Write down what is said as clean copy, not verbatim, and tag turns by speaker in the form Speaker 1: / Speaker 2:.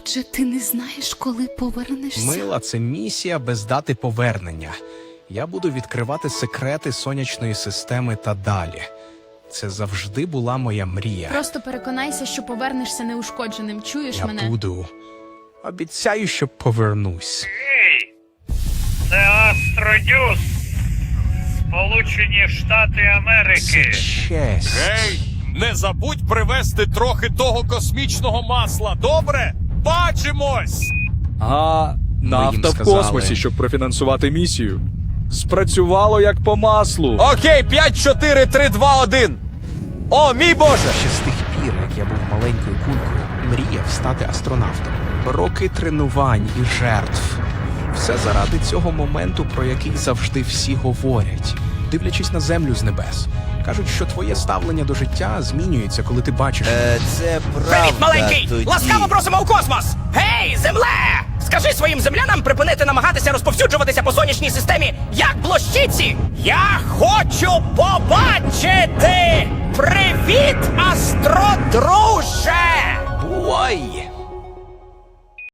Speaker 1: Отже, ти не знаєш, коли повернешся?
Speaker 2: Мила, це місія без дати повернення. Я буду відкривати секрети сонячної системи та далі. Це завжди була моя мрія.
Speaker 3: Просто переконайся, що повернешся неушкодженим. Чуєш
Speaker 2: Я
Speaker 3: мене?
Speaker 2: буду. Обіцяю, що повернусь.
Speaker 4: Ей! Це Астродюс! Сполучені Штати Америки!
Speaker 2: Честь.
Speaker 5: Гей, не забудь привезти трохи того космічного масла, добре? Бачимось!
Speaker 6: Нафта в
Speaker 2: сказали.
Speaker 6: космосі, щоб профінансувати місію. Спрацювало як по маслу.
Speaker 7: Окей, 5, 4, 3, 2, 1. О, мій Боже!
Speaker 2: Ще з тих пір, як я був маленькою кулькою, мріяв стати астронавтом. Роки тренувань і жертв. Все заради цього моменту, про який завжди всі говорять, дивлячись на землю з небес. Кажуть, що твоє ставлення до життя змінюється, коли ти бачиш.
Speaker 7: Це правда.
Speaker 8: Привіт, маленький!
Speaker 7: тоді.
Speaker 8: Ласкаво просимо у космос! Гей, земле! Скажи своїм землянам припинити намагатися розповсюджуватися по сонячній системі, як блощиці! Я хочу побачити! Привіт, астродруже!
Speaker 2: Бувай!